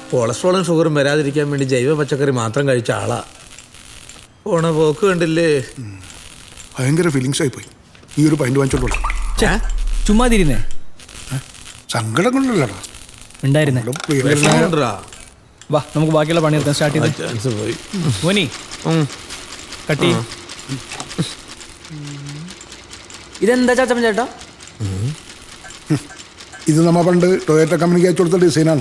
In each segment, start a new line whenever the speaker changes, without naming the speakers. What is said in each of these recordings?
കൊളസ്ട്രോളും ഷുഗറും വരാതിരിക്കാൻ വേണ്ടി ജൈവ പച്ചക്കറി മാത്രം കഴിച്ച ആളാ. പോണ പോക്ക് കണ്ടില്ലേ.
ഭയങ്കര ഫീലിങ്സ് ആയിപ്പോയി. ഈ ഒരു പൈൻറ്റ് വാങ്ങിച്ചോളൂ.
ചുമ്മാതിരുന്നേ.
സങ്കടം കൊണ്ടല്ലടാ
ഉണ്ടായിരുന്നേ. വാ നമുക്ക് ബാക്കിയുള്ള പണി എടുക്കാൻ സ്റ്റാർട്ട് ചെയ്ത്. മോനി കട്ടി.
ഇതെന്താ ചാച്ചപ്പൻ ചേട്ടാ?
ഇത് നമ്മ പണ്ട് ടൊയോറ്റ കമ്പനിക്ക് അയച്ചു കൊടുത്ത ഡിസൈനാണ്.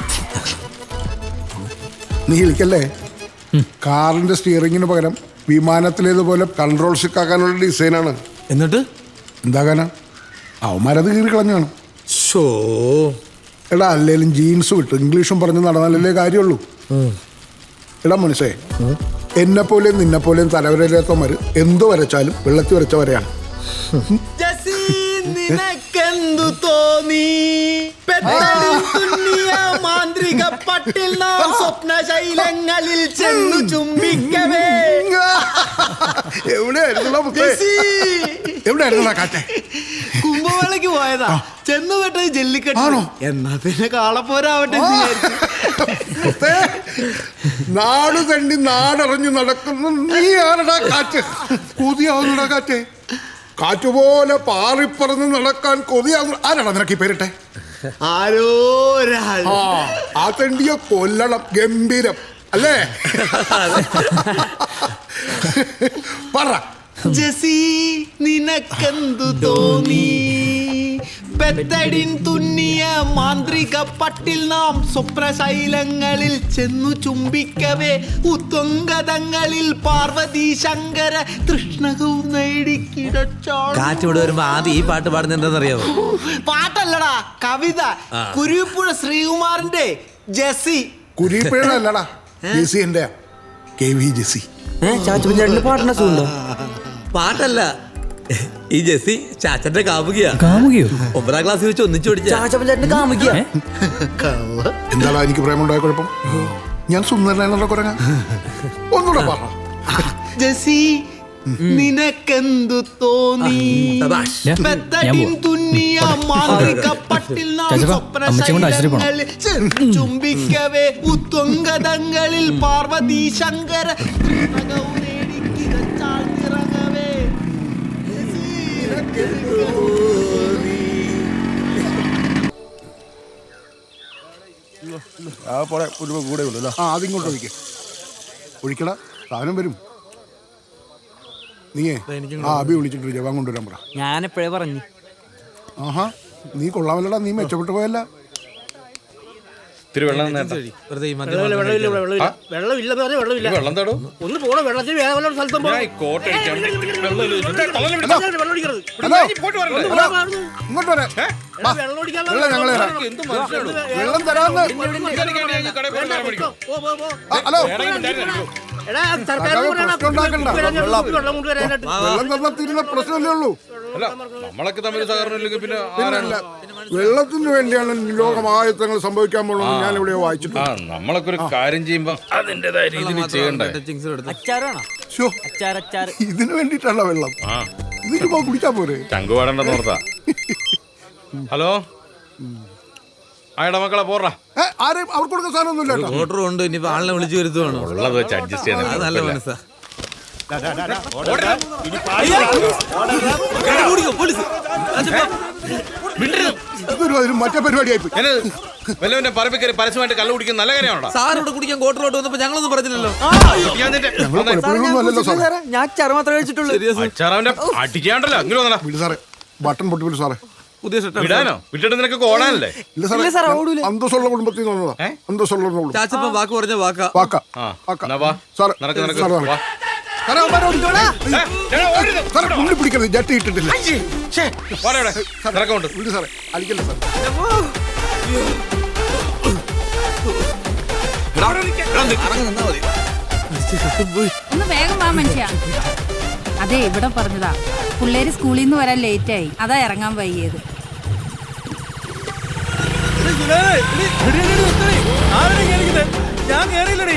നീ വിളിക്കല്ലേ? കാറിന്റെ സ്റ്റിയറിങ്ങിന് പകരം വിമാനത്തിലേതുപോലെ കൺട്രോൾ സിക്കാക്കാനുള്ള ഡിസൈനാണ്.
എന്നിട്ട്
എന്താകാനാ? അവന്മാരത് കീറി കളഞ്ഞാണ്. എടാ അല്ലേലും ജീൻസ് വിട്ട് ഇംഗ്ലീഷും പറഞ്ഞ് നടന്നാലല്ലേ കാര്യമുള്ളൂ. എടാ മനുഷ്യേ, എന്നെപ്പോലെയും നിന്നെപ്പോലെയും തലവരയില്ലാത്തവന്മാർ എന്തു വരച്ചാലും വെള്ളത്തിൽ വരച്ച വരെയാണ്.
നിനക്കെന്തു തോന്നി മാന്ത്രിക പട്ടിൽ നാം സ്വപ്ന ശൈലങ്ങളിൽ ചെന്നു ചുംബിക്കവേ.
എവിടെയായിരുന്നാ കാറ്റേ?
കുംഭമേളയ്ക്ക് പോയതാ. ചെന്നു പെട്ടത് ജല്ലിക്കെട്ടാണോ? എന്നാ പിന്നെ കാളപ്പോരാവട്ടെ.
നാട് തണ്ടി നാടറിഞ്ഞു നടക്കുന്നു നീ ആരടാ കാറ്റ്? കൊതിയാവുന്നടാ കാറ്റേ. കാറ്റുപോലെ പാറിപ്പറന്ന് നടക്കാൻ കൊതിയാവുന്ന ആരാടാ നിനക്ക് ഈ പേരിട്ടെ?
ആരോ
ആ തണ്ടിയെ കൊല്ലണം. ഗംഭീരം അല്ലേ? പറ
ജസി, നിനക്കെന്തു തോന്നി പെത്തടിൻ തുന്നിയ മാന്ത്രിക പട്ടിൽ നാം സ്വപ്നശൈലങ്ങളിൽ ചെന്നു ചുംബിക്കവേ ഉത്വംഗതങ്ങളിൽ പാർവതി ശങ്കര തൃഷ്ണകവും നേടിക്കിടച്ചാൾ.
കാറ്റിവിടെ വരുമ്പോ ആദ്യം ഈ പാട്ട് പാടുന്നത് എന്താണെന്നറിയാമോ?
പാട്ടല്ലടാ, കവിത. കുരുവിപ്പുഴ ശ്രീകുമാറിന്റെ ജസി.
കുരിപ്പുഴല്ലടാ, ജെസി എന്റെ KV ജെസി.
ചാച്ചപ്പൻ ചേട്ടന്റെ പാട്ടിന്റെ സുഖം.
പാട്ടല്ല, ഈ ജെസി ചാച്ചന്റെ കാമുകിയാ.
കാമുകിയോ?
9ാം ക്ലാസ്സിൽ വെച്ച് ഒന്നിച്ചു പഠിച്ച
ചാച്ചപ്പൻ ചേട്ടന്റെ കാമുകിയാ.
എന്താടാ എനിക്ക് പ്രേമുണ്ടായ കുഴപ്പം? ഞാൻ സുന്ദരനാണെന്നുള്ള കുറങ്ങ. ഒന്നുകൂടെ പറ
ജസി, നിനക്കെന്തു തോന്നി പെത്തടിൻ തുന്നിയ മാന്ത്രിക പട്ടിൽ നാം സ്വപ്നശൈലങ്ങളിൽ ചെന്നു ചുംബിക്കവേ ഉത്വംഗതങ്ങളിൽ പാർവതി ശങ്കര തൃഷ്ണകവും നേടിക്കിടച്ചാൾ നിറങ്ങവേ.
അതിങ്ങോട്ട് ഒഴിക്കേ. ഒഴിക്കടാ, സാധനം വരും. നീയേ അബി വിളിച്ചിട്ട് ജവാൻ കൊണ്ടുവരാൻ പറ.
ഞാനെപ്പോഴേ പറഞ്ഞു.
ആഹാ, നീ കൊള്ളാമല്ലടാ. നീ മെച്ചപ്പെട്ടു പോയല്ല.
ഒന്ന് പോണോ വെള്ളത്തിൽ വേറെ സ്ഥലത്തും
ഇങ്ങോട്ട് വരാം. വെള്ളം തരാന്ന്. ഹലോ, വെള്ളം തന്നാൽ തീരുന്ന പ്രശ്നമല്ലേ ഉള്ളൂ. വെള്ളത്തിന് വേണ്ടിയാണ് ലോകമായത്തങ്ങൾ സംഭവിക്കാൻ പോകുന്നത്. ഞാൻ ഇവിടെ വായിച്ചിട്ടുണ്ട്.
നമ്മളൊക്കെ ഒരു കാര്യം ചെയ്യുമ്പോ അതിന്റേതായ രീതിയിൽ ചെയ്യണ്ടേ?
ഇതിനു വേണ്ടിട്ടാണോ വെള്ളം? ഇതിപ്പോ കുടിച്ചാ പോരെ?
ചങ്കു പാടണ്ടെന്ന് ഓർത്താ. ഹലോ, ആയടാ മക്കളെ പോറാ.
ആരെയും അവർക്ക് കൊടുക്കുന്ന സാധനമൊന്നുമില്ല.
ഓർഡർ ഉണ്ട്. ഇനിയിപ്പോ ആളിനെ വിളിച്ചു വരുത്തുവാണോ?
ഉള്ളത് വെച്ച് അഡ്ജസ്റ്റ് ചെയ്യാൻ
നല്ല മനസ്സാ.
മറ്റേ പരിപാടിയായി
വല്ലവന്റെ പറമ്പിക്കറി പരസ്യമായിട്ട് കള്ളു കുടിക്കുന്ന നല്ല കാര്യമാണോ?
സാറിവിടെ കുടിക്കാൻ കോട്ടറോട്ട് വന്നപ്പോ ഞങ്ങളൊന്നും പറഞ്ഞില്ലല്ലോ.
ഞാൻ അച്ചാറ് മാത്രമേ കഴിച്ചിട്ടുള്ളൂ.
അച്ചാറാവന്റെ അടിക്കാണ്ടല്ലോ. ഇങ്ങനെ വന്നടാ.
സാറേ, ബട്ടൺ പൊട്ടി സാറേ.
പുതിയ
വിടാനോ? വിട്ടിട്ട് നിനക്ക് ഓടാനല്ലേ?
അന്തസ്സുള്ള കുടുംബത്തിൽ നിന്ന് വന്നതാ. അന്തസ്സുള്ള
ചാച്ചപ്പൻ വാക്ക് പറഞ്ഞ വാക്കാ.
മുന്നിൽ പിടിക്കരുത്. ജട്ടി ഇട്ടിട്ടില്ല. സാറേ അടിക്കല്ലേ സാർ.
ഒന്ന് വേഗം വാ മനുഷ്യ. അതെ, ഇവിടെ പറഞ്ഞതാ. പിള്ളേര് സ്കൂളിൽ നിന്ന് വരാൻ ലേറ്റ് ആയി, അതാ ഇറങ്ങാൻ വൈകിയത്.
ഞാൻ കേറിയില്ലടി.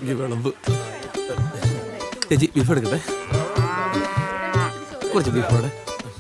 ഇനി വിളമ്പ്. ചേച്ചി ബീഫ് എടുക്കട്ടെ, കുറച്ച് ബീഫ് അവിടെ.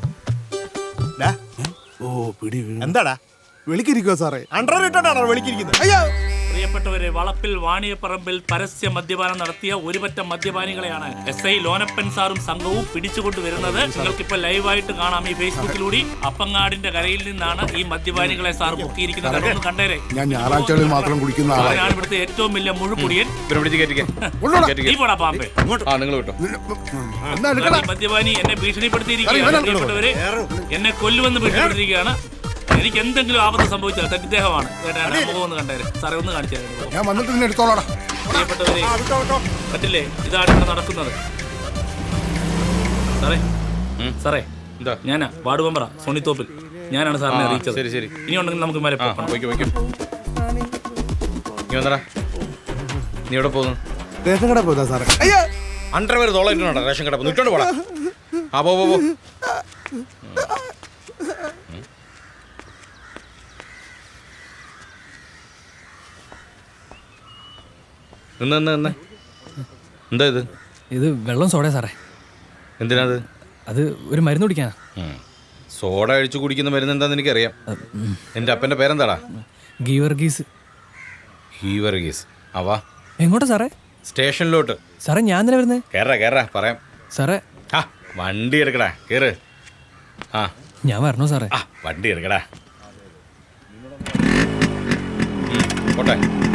ഓ പിടി വീണു.
എന്താടാ വിളിക്കിരിക്കോ സാറേ? അണ്ടർ ഇട്ടോണ്ടാണോ വിളിക്കിരിക്കുന്നത്? അയ്യോ
പ്രിയപ്പെട്ടവരെ, വളപ്പിൽ വാണിയപ്പറമ്പിൽ പരസ്യ മദ്യപാനം നടത്തിയ ഒരുപറ്റം മദ്യപാനികളെയാണ് SI ലോനപ്പൻ സാറും സംഘവും പിടിച്ചുകൊണ്ടുവരുന്നത്. നിങ്ങൾക്കിപ്പോ ലൈവായിട്ട് കാണാം ഈ ഫേസ്ബുക്കിലൂടെ. അപ്പങ്ങാടിന്റെ കരയിൽ നിന്നാണ് ഈ മദ്യപാനികളെ സാർ പൊക്കിയിരിക്കുന്നത്. അതൊന്ന് കണ്ടേരെ.
ഞാൻ ഞായറാഴ്ചകളിൽ മാത്രം കുടിക്കുന്ന ആളാണ്.
അവനാണ് ഇവിടുത്തെ ഏറ്റവും വലിയ മുഴുകുടിയൻ. നീ പോടാ പാമ്പേ.
നിങ്ങൾ വിട്ടോ.
എന്നാ എടുക്കടാ.
ഈ മദ്യപാനി എന്നെ ഭീഷണിപ്പെടുത്തിയിരിക്കുകയാണ്. പ്രിയപ്പെട്ടവരെ, എന്നെ കൊല്ലുമെന്ന് ഭീഷണിപ്പെടുത്തിയിരിക്കുകയാണ്. എനിക്ക് എന്തെങ്കിലും ആപത്ത് സംഭവിച്ചാൽ തദ്ദേഹമാണ്. മുഖം ഒന്ന് കണ്ടേരെ സാറേ, ഒന്ന് കാണിച്ചു തരാം.
ഞാൻ വന്നിട്ട് നിന്നെ എടുത്തോളാടാ.
പ്രിയപ്പെട്ടവരെ, പറ്റില്ലേ? ഇതാണ് ഇവിടെ നടക്കുന്നത്. സാറേ സാറേ,
എന്താ?
ഞാനാ വാർഡ് മെമ്പറാ സോണിത്തോപ്പിൽ. ഞാനാണ് സാറിനെ അറിയിച്ചത്.
ശരി ശരി,
ഇനി ഉണ്ടെങ്കിൽ നമുക്ക് മേലെ പോകാം.
നീ വന്നടാ. നീ എവിടെ പോകുന്നു?
റേഷൻ കട പോയതാ സാറേ.
അണ്ടർവെയർ തോളായിട്ടുണ്ടോ റേഷൻ കട? നിട്ടോണ്ട് പോടാ. ആ പോ. നിന്ന് എന്താ ഇത്?
ഇത് വെള്ളം സോഡ സാറേ.
എന്തിനാത്?
അത് ഒരു മരുന്ന് കുടിക്കാനാ.
സോഡ അഴിച്ചു കുടിക്കുന്ന മരുന്ന് എന്താന്ന് എനിക്കറിയാം. എൻ്റെ അപ്പൻ്റെ പേരെന്താടാ?
ഗീവർഗീസ്.
ഹീവർഗീസ്. അവാ
എങ്ങോട്ടാ സാറേ?
സ്റ്റേഷനിലോട്ട്.
സാറേ ഞാൻ തന്നെ വരുന്നേ.
കേറാ പറയാം.
സാറേ
ആ വണ്ടി എടുക്കടാ, കേറ്. ആ
ഞാൻ വരണോ സാറേ?
ആ വണ്ടി എടുക്കടാ. പോട്ടെ.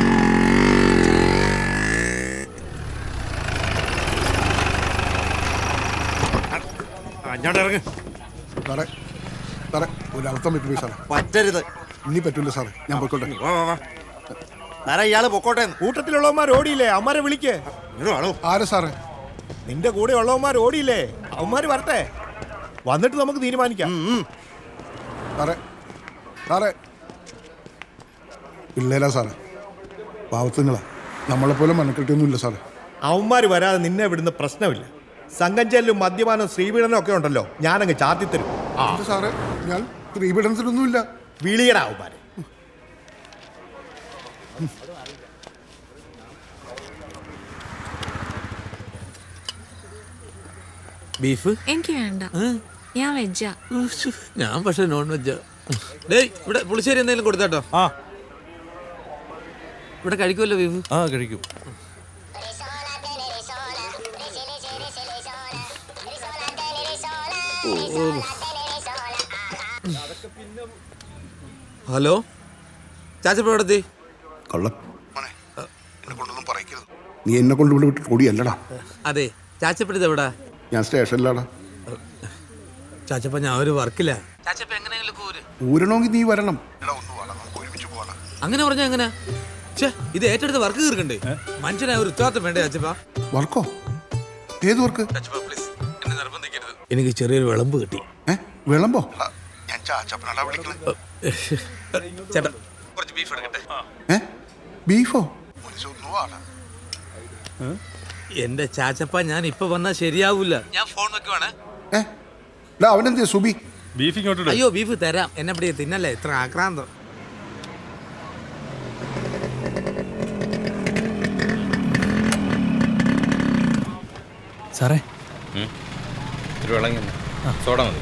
സാറേ സാറേ ഒരർത്ഥം പറ്റില്ല സാറേ.
പറ്റരുത്.
ഇനി പറ്റൂല സാറേ, ഞാൻ പോയിക്കോട്ടെ.
സാറേ ഇയാള് പൊക്കോട്ടെ. കൂട്ടത്തിലുള്ളവന്മാർ ഓടിയില്ലേ? അവന്മാരെ വിളിക്കേ.
ആരെ സാറേ?
നിന്റെ കൂടെ ഉള്ളവന്മാർ ഓടിയില്ലേ? അവന്മാര് വരട്ടെ, വന്നിട്ട് നമുക്ക് തീരുമാനിക്കാം.
സാറേ സാറേ പിള്ളേരാ സാറേ, പാവത്തുങ്ങളാ. നമ്മളെപ്പോലെ മനക്കെട്ടിയൊന്നുമില്ല സാറേ.
അവന്മാര് വരാതെ നിന്നെ വിടുന്ന പ്രശ്നമില്ല. സംഘം ചെല്ലും മദ്യപാനം ശ്രീപീഡനം ഒക്കെ ഉണ്ടല്ലോ, ഞാനങ്ങ് ചാത്തിത്തരും.
എന്താ സാറേ, ഞാൻ സ്ത്രീപീഡനത്തിനൊന്നുമില്ല.
വിളിയടാ അവന്മാര്.
ബീഫ്
എനിക്ക് വേണ്ട, ഞാൻ വെജാ.
ഞാൻ പക്ഷെ നോൺ വെജാ. ഡേയ് ഇവിടെ പുളിശ്ശേരി എന്തെങ്കിലും കൊടുത്താട്ടോ. ഇവിടെ കഴിക്കുമല്ലോ ബീഫ്?
ആ കഴിക്കും.
ഹലോ ചാച്ചപ്പ എവിടെത്തി?
കള്ളം എന്നെ കൊണ്ടൊന്നും പറയിക്കരുത്. നീ എന്നെ കൊണ്ട് ഇവിടെ വിട്ട് ഓടിയല്ലടാ.
അതെ ചാച്ചപ്പഴത് എവിടാ?
ഞാൻ സ്റ്റേഷനിലാടാ.
ചാച്ചപ്പ ഞാൻ ഒരു വർക്കില്ല. ചാച്ചപ്പ എങ്ങനെയെങ്കിലും
ഊരണമെങ്കിൽ നീ വരണം.
അങ്ങനെ പറഞ്ഞാ എങ്ങനെ? ഇത് ഏറ്റെടുത്ത് വർക്ക് തീർക്കണ്ടേ? മനുഷ്യനായ ഒരു ഉത്തരവാദിത്തം വേണ്ടേ ചാച്ചപ്പ?
വർക്കോ? ഏത് വർക്ക്?
എനിക്ക് ചെറിയൊരു വിളമ്പ് കിട്ടി.
വിളമ്പോ?
ചേട്ടാ കുറച്ച് ബീഫ് എടുക്കട്ടെ.
ബീഫോ?
എന്റെ ചാച്ചപ്പ ഞാൻ ഇപ്പൊ വന്നാ ശരിയാവൂല. ഞാൻ ഫോൺ വെക്കുവാണ്.
അവനെന്തിയാ സുബി?
അയ്യോ ബീഫ് തരാം, എന്നെ പിടിയെ തിന്നല്ലേ ഇത്ര ആക്രാന്തം.
സാറേ
ഒരു വെള്ളം സോഡ മതി.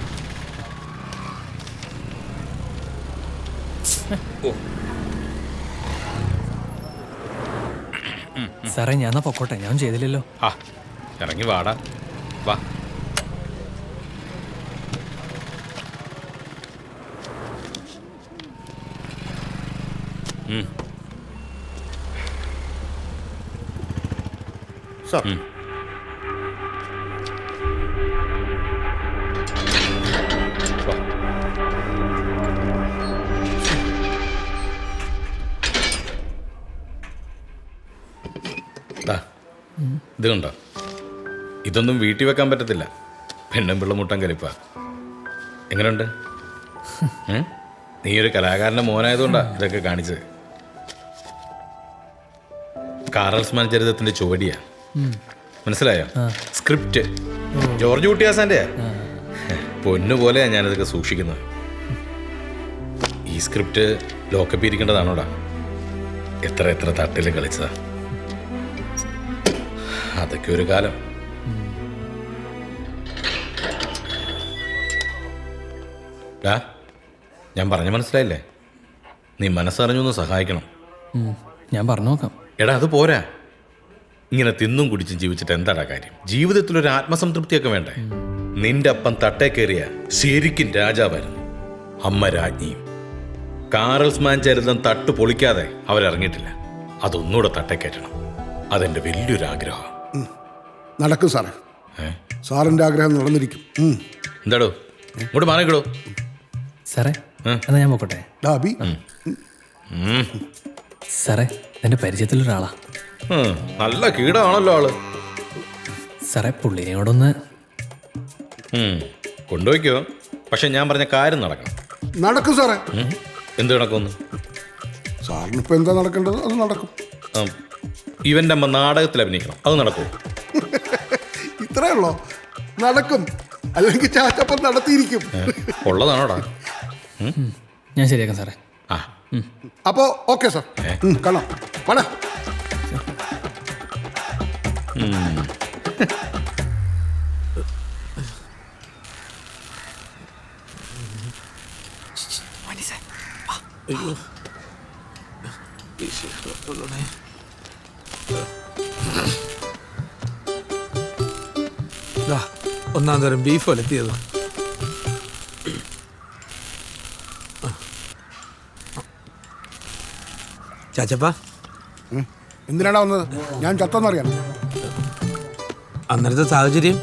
സാറേ ഞാൻ പൊക്കോട്ടെ, ഞാൻ ചെയ്തില്ലല്ലോ.
ആ ഇറങ്ങി വാടാ, വാ.
സാർ
ഇത് കണ്ടോ? ഇതൊന്നും വീട്ടിൽ വെക്കാൻ പറ്റത്തില്ല. പെണ്ണും പിള്ള മുട്ടൻ കലിപ്പ. എങ്ങനെയുണ്ട്? നീ ഒരു കലാകാരൻ്റെ മോനായതുകൊണ്ടാ ഇതൊക്കെ കാണിച്ചത്. കാറൽസ്മാൻ ചരിതത്തിന്റെ ചുവടിയാ, മനസ്സിലായോ? Script George കുട്ടിയാസാൻ്റെയാ. പൊന്നുപോലെയാ ഞാനിതൊക്കെ സൂക്ഷിക്കുന്നത്. ഈ സ്ക്രിപ്റ്റ് ലോക്കപ്പ് ഇരിക്കേണ്ടതാണോടാ? എത്ര തട്ടിൽ കളിച്ചതാ. അതൊക്കെ ഒരു കാലം. ഞാൻ പറഞ്ഞ മനസ്സിലായില്ലേ? നീ മനസ്സറിഞ്ഞു ഒന്ന് സഹായിക്കണം.
ഞാൻ പറഞ്ഞു നോക്കാം.
എടാ അത് പോരാ. ഇങ്ങനെ തിന്നും കുടിച്ചും ജീവിച്ചിട്ട് എന്താടാ കാര്യം? ജീവിതത്തിലൊരു ആത്മസംതൃപ്തിയൊക്കെ വേണ്ടേ? നിന്റെ അപ്പം തട്ടേ കയറിയ ശരിക്കും രാജാവായിരുന്നു, അമ്മ രാജ്ഞിയും. കാറൽസ്മാൻ ചരിതം തട്ട് പൊളിക്കാതെ അവരിറങ്ങിയിട്ടില്ല. അതൊന്നുകൂടെ തട്ടേ കയറ്റണം. അതെന്റെ വലിയൊരു ആഗ്രഹം.
നടക്കും സാറേ. സാറിന്റെ ആഗ്രഹം നടന്നിരിക്കും.
എന്താടോ ഇങ്ങോട്ട് മാറിക്കടോ.
സാറേ എന്നാ ഞാൻ പോക്കോട്ടെ. സാറേ എൻ്റെ പരിചയത്തിലൊരാളാ.
നല്ല കീടാണല്ലോ ആള്.
സാറേ പുള്ളിനെ കൂടെ
കൊണ്ടുപോയിക്കോ. പക്ഷെ ഞാൻ പറഞ്ഞ കാര്യം നടക്കണം.
നടക്കും സാറേ.
എന്ത് നടക്കുമെന്ന്?
സാറിനിപ്പോ എന്താ നടക്കേണ്ടത് അത് നടക്കും.
ഇവന്റെ അമ്മ നാടകത്തിൽ അഭിനയിക്കണം, അത് നടക്കും.
ഇത്രേ ഉള്ളോ? നടക്കും. അല്ലെങ്കിൽ ചാച്ചപ്പം നടത്തിയിരിക്കും.
ഉള്ളതാണോടാ?
ഞാൻ ശരിയാക്കാം സാറേ.
അപ്പോ ഓക്കെ സാർ, കാണാം. വേണേ
ഒന്നാം തരം ബീഫ് ഒലത്തിയത്. ചാച്ചപ്പ
എന്തിനാണ് വന്നത്? ഞാൻ ചത്തെന്നറിയാം.
അന്നേരത്തെ സാഹചര്യം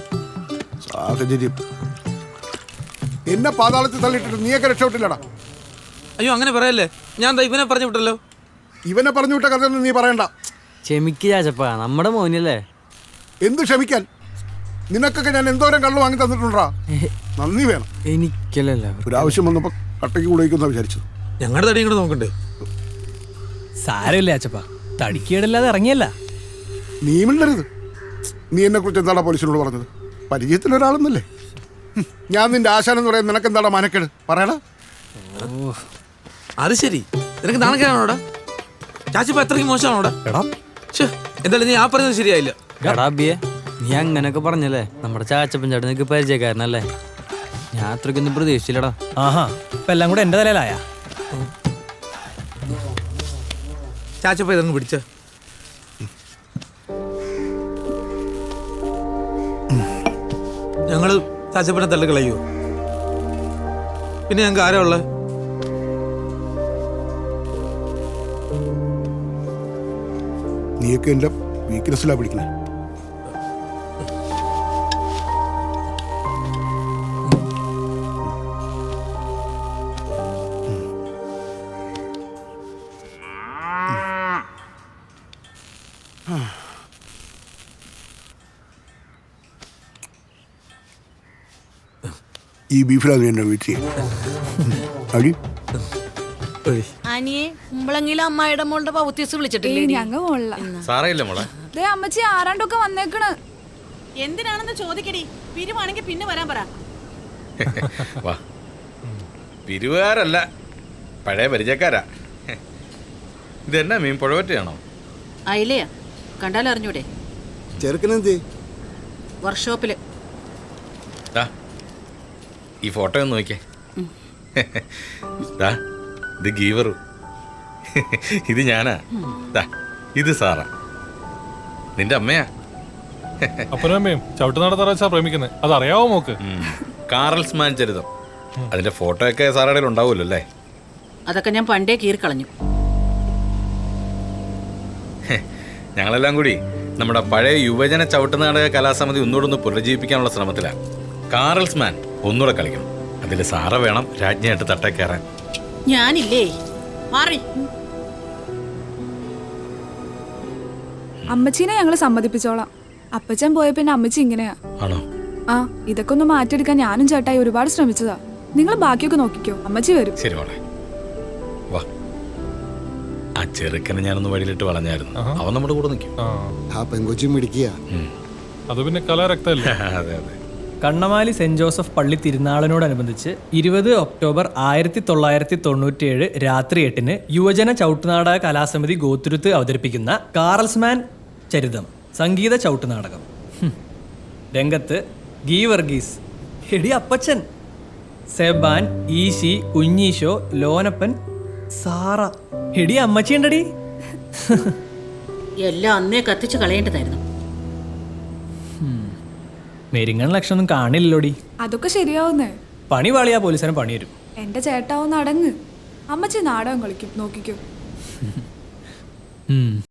എന്നെ പാതാളത്തിൽ തള്ളിയിട്ടിട്ട് നീയൊക്കെ രക്ഷപ്പെട്ടില്ലടാ.
അയ്യോ അങ്ങനെ പറയല്ലേ. ഞാൻ ഇവനെ പറഞ്ഞു വിട്ടല്ലോ.
ഇവനെ പറഞ്ഞു വിട്ട കഥയൊന്നും നീ പറയണ്ട.
ക്ഷമിക്ക് ചാച്ചപ്പ, നമ്മുടെ മോനല്ലേ.
എന്ത് ക്ഷമിക്കാൻ? നിനക്കൊക്കെ ഞാൻ എന്തോരം കള്ളു വാങ്ങി തന്നിട്ടുണ്ടാ. നന്ദി വേണം.
എനിക്കല്ല,
ഒരാവശ്യം വന്നപ്പോ കട്ടയ്ക്ക് കൂടെയ്ക്കുന്ന വിചാരിച്ചത്.
ഞങ്ങളുടെ തടി ഇങ്ങോട്ട് നോക്കണ്ടേ?
സാരമില്ല അച്ചപ്പ, തടിക്കേടില്ലാതെ ഇറങ്ങിയല്ല.
നീ മിണ്ടരുത്. നീ എന്നെ കുറിച്ച് എന്താടാ പോലീസിനോട് പറഞ്ഞത്? പരിചയത്തിലൊരാളെന്നല്ലേ. ഞാൻ നിന്റെ ആശാനം എന്ന് പറയാൻ നിനക്ക് എന്താടാ മാനക്കേട്? പറയടാ.
അത് ശരി, നിനക്ക് നാണക്കേടാണോടാ? ചാച്ചപ്പ എത്രയ്ക്ക് മോശമാണോടാ? എന്തായാലും നീ ആ പറഞ്ഞത് ശരിയായില്ല.
നീ അങ്ങനൊക്കെ പറഞ്ഞല്ലേ? നമ്മുടെ ചാച്ചപ്പൻ ചേട്ടൻ നിനക്ക് പരിചയക്കാരനല്ലേ? ഞാൻ അത്രയ്ക്കൊന്നും പ്രതീക്ഷിച്ചില്ലടാ.
ആഹാ, ഇപ്പൊ എല്ലാം കൂടെ എന്റെ തലയിലായ.
ചാച്ചപ്പ ഇതങ്ങ് പിടിച്ച. ഞങ്ങള് ചാച്ചപ്പനെ തള്ളിക്കളയോ? പിന്നെ ഞങ്ങൾക്ക് ആരാ ഉള്ളത്?
നീയൊക്കെ എന്റെ വീക്ക്നെസ്സിലാ പിടിക്കണേ. ഈ ബീഫിലാണ് എന്നെ വീട്ടിൽ അടി.
അനിയെ കുമ്പളങ്ങിയിലെ അമ്മായിയുടെ മോളുടെ പൗത്യസ് വിളിച്ചിട്ടില്ലേ?
ഞങ്ങ മോളില.
സാറയില്ലേ മോളെ?
അമ്മച്ചി ആരാണ്ടൊക്കെ വന്നേക്കണ്.
എന്തിനാണെന്ന് ചോദിക്കടി. പിരിവാണെങ്കിൽ പിന്നെ വരാൻ പറ.
വാ, പിരിവുകാരല്ല, പഴയ പരിചയക്കാരാ. ഇതെന്നാ മീൻ? പുഴവറ്റയാണോ?
അയിലയാ, കണ്ടാലറിഞ്ഞൂടെ?
ചെറുക്കനെന്തേ?
വർക്ക്ഷോപ്പില്.
ഈ ഫോട്ടോ ഒന്ന് നോക്കിയേ. ഇത് ഗീവറു, ഇത് ഞാനാ. ഇത് സാറാ, നിന്റെ അമ്മയാ.
അപ്പനമ്മയും ചവിട്ടുനാടത്താറാച്ചാ പ്രേമിക്കുന്നത്, അതറിയാവോ മോക്ക്?
കാറൽസ്മാൻ ചരിതം, അതിന്റെ ഫോട്ടോ ഒക്കെ സാറുടെ ഉണ്ടാവുമല്ലോ അല്ലേ?
അതൊക്കെ ഞാൻ പണ്ടേ കീറിക്കളഞ്ഞു.
ഞങ്ങളെല്ലാം കൂടി നമ്മുടെ പഴയ യുവജന ചവിട്ടുനാടക കലാസമിതി ഒന്നുകൂടെ പുനരുജ്ജീവിപ്പിക്കാനുള്ള ശ്രമത്തിലാണ്. കാറൽസ്മാൻ ഒന്നുകൂടെ കളിക്കണം. അതിൽ സാറ വേണം രാജ്ഞിയായിട്ട് തട്ടേ കയറാൻ.
ഞാനില്ലേ, മാറി.
അമ്മച്ചീനെ ഞങ്ങള് സമ്മതിപ്പിച്ചോളാം. അപ്പച്ചൻ പോയ പിന്നെ അമ്മച്ചി ഇങ്ങനെയാ.
ആണോ?
ആ, ഇതൊക്കെ ഒന്ന് മാറ്റിയെടുക്കാൻ ഞാനും ചേട്ടായി ഒരുപാട് ശ്രമിച്ചതാ. നിങ്ങൾ ബാക്കിയൊക്കെ നോക്കിക്കോ, അമ്മച്ചി വരും.
ശരി മോളെ, വാ. ആ ചെറുക്കനെ ഞാനൊന്ന് വഴിയിലിട്ട് വളഞ്ഞായിരുന്നു. അവൻ നമ്മുടെ കൂടെ നിൽക്കും.
ആ പെങ്കൊച്ചി മിടിക്കുക.
അത് പിന്നെ കലാരക്തല്ലേ?
അതെ അതെ.
കണ്ണമാലി സെന്റ് ജോസഫ് പള്ളി തിരുനാളിനോടനുബന്ധിച്ച് 20 ഒക്ടോബർ 1997 രാത്രി 8-ന് യുവജന ചവിട്ടുനാടക കലാസമിതി ഗോത്തുരുത്ത് അവതരിപ്പിക്കുന്ന കാറൽസ്മാൻ ചരിതം സംഗീത ചവിട്ട് നാടകം. രംഗത്ത് ഗീ വർഗീസ്, എടി അപ്പച്ചൻ, സെബാൻ, ഈശി, കുഞ്ഞീശോ, ലോനപ്പൻ, സാറ, എടി അമ്മച്ചി ഉണ്ടടി.
എല്ലാം അന്നേ കത്തിച്ച് കളയേണ്ടതായിരുന്നു.
മെരിങ്ങൺ ലക്ഷണമൊന്നും കാണില്ലല്ലോടി.
അതൊക്കെ ശരിയാവുന്നേ.
പണി പാളിയാ പോലീസിനെ പണി വരും.
എന്റെ ചേട്ടാവും നടങ്ങ്. അമ്മച്ചി നാടകം കളിക്കും, നോക്കിക്കോ.